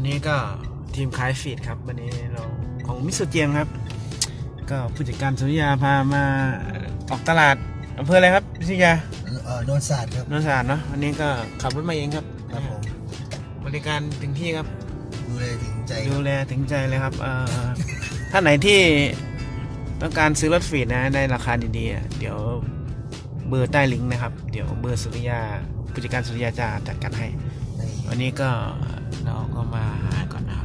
วันนี้ก็ทีมขายฟีดครับวันนี้เราของมิสเตอร์เจียงครับก็ผู้จัดการสุริยาพามาออกตลาดอำเภออะไรครับพิทยาโนนศาสตร์ครับโนนศาสตร์เนาะวันนี้ก็ขับรถมาเองครับครับผมบริการถึงที่ครับดูแลถึงใจเลยครับท่านไหนที่ต้องการซื้อรถฟีดนะในราคาดีๆเดี๋ยวเบอร์ใต้ลิงก์นะครับเดี๋ยวเบอร์สุริยาผู้จัดการสุริยาจะจัดการให้วันนี้ก็เราก็มาหาก่อนนะครับ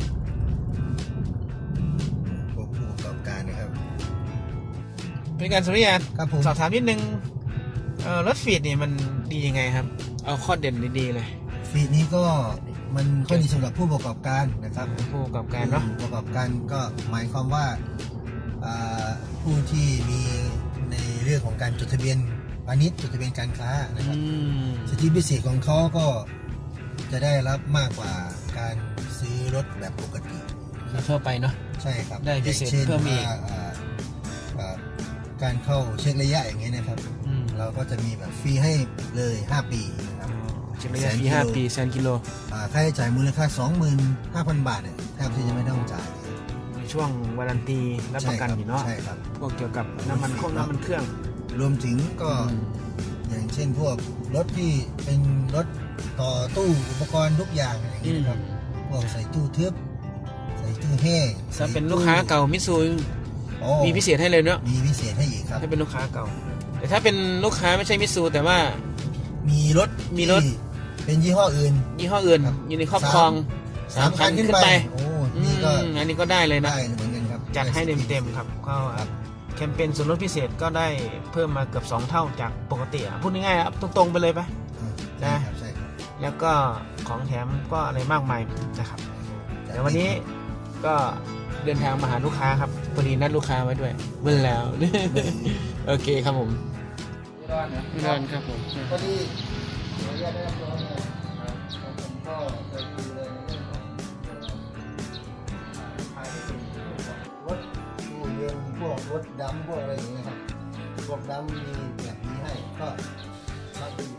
ผู้ประกอบการนะครับผู้จัดการสุริยาครับผมสอบถามนิดนึงรถฟีดนี่มันดียังไงครับเอาข้อเด่นดีๆเลยฟีดนี้ก็มันข้อดีสำหรับผู้ประกอบการนะครับผู้ประกอบการเนาะผู้ประกอบการก็หมายความว่าผู้ที่มีในเรื่องของการจดทะเบียนพาณิชย์จดทะเบียนการค้านะครับสิทธิพิเศษของเขาก็จะได้รับมากกว่าการซื้อรถแบบปกติทั่วไปเนาะใช่ครับได้พิเศษเพิ่มอีกการเข้าเช็คระยะอย่างเงี้ยนะครับเราก็จะมีแบบฟรีให้เลย5 ปีนะครับเช็คระยะฟรี5 ปี100,000 กิโลค่าใช้จ่ายมูลค่า 25,000 บาทเนี่ยแทบที่จะไม่ต้องจ่ายในช่วงวารันตีรับประกันอยู่เนาะใช่ครับพวกเกี่ยวกับน้ำมันเครื่องรวมถึงก็อย่างเช่นพวกรถที่เป็นรถต่อตู้อุปกรณ์ทุกอย่างอะไรอย่างเงี้ยนะครับพวกใส่ตู้ทึบใส่ตู้แห้งถ้าเป็นลูกค้าเก่ามิตซูมีพิเศษให้เลยเนาะมีพิเศษให้อีกครับถ้าเป็นลูกค้าเก่าแต่ถ้าเป็นลูกค้าไม่ใช่มิตซูแต่ว่ามีรถเป็นยี่ห้ออื่นอยู่ในครอบครอง3 คันขึ้นไปโอ้นี่ก็อันนี้ก็ได้เลยนะได้เหมือนกันครับจัดให้เต็มครับก็แคมเปญส่วนลดพิเศษก็ได้เพิ่มมาเกือบ2 เท่าจากปกติพูดง่ายๆครับตรงๆไปเลยไปนะแล้วก็ของแถมก็อะไรมากมายนะครับแต่วันนี้ก็เดินทางมาหาลูกค้าครับพอดีนัดลูกค้าไว้ด้วยเบิ่งแล้วโอเคครับผมไม่ร้อนครับผมพอดีขออนุญาตได้รับรองผมก็เคยดูเลยในเรื่องของภายในรถตู้เย็นพวกรถดำพวกอะไรอย่างเงี้ยครับพวกดำมีแบบนี้ให้ก็รับดู